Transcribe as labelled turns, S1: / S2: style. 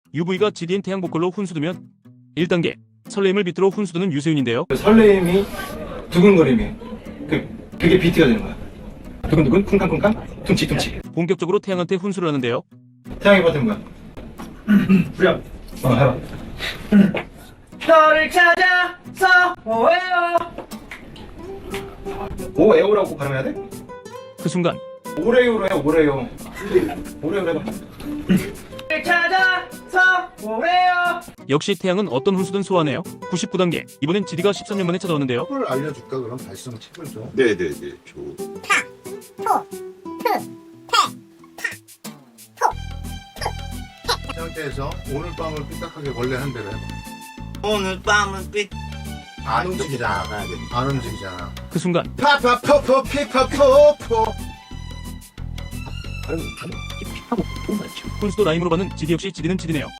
S1: UV가 GD인 태양 보컬로 훈수두면 1단계 설레임을 비트로 훈수두는 유세윤인데요.
S2: 설레임이 두근거림이 그게 비트가 되는 거야. 두근두근 쿵쾅쿵쾅 퉁치퉁치.
S1: 본격적으로 태양한테 훈수를 하는데요.
S2: 태양이 버튼 뭐야? 후렴. 해봐.
S3: 너를 찾아서 오해요.
S2: 오에오라고 발음해야 돼?
S1: 그 순간
S2: 오레요로 해. 오레요. 오레요 해봐.
S3: 너를 찾아서 오해요.
S1: 역시 태양은 어떤 훈수든 소화하네요. 99단계 이번엔 GD가 13년 만에 찾아왔는데요.
S4: 팁을 알려줄까? 그럼 발성 팁을 좀.
S5: 네네네.
S4: 이 상태에서 오늘 밤을 삐딱하게 원래 한 대로 해봐.
S5: 오늘 밤은 삐.
S4: 안 움직이잖아. 안 움직이잖아.
S1: 그 순간
S4: 파파포포 피파포포.
S1: 훈수도 라임으로 받는 GD 역시 GD는 GD네요.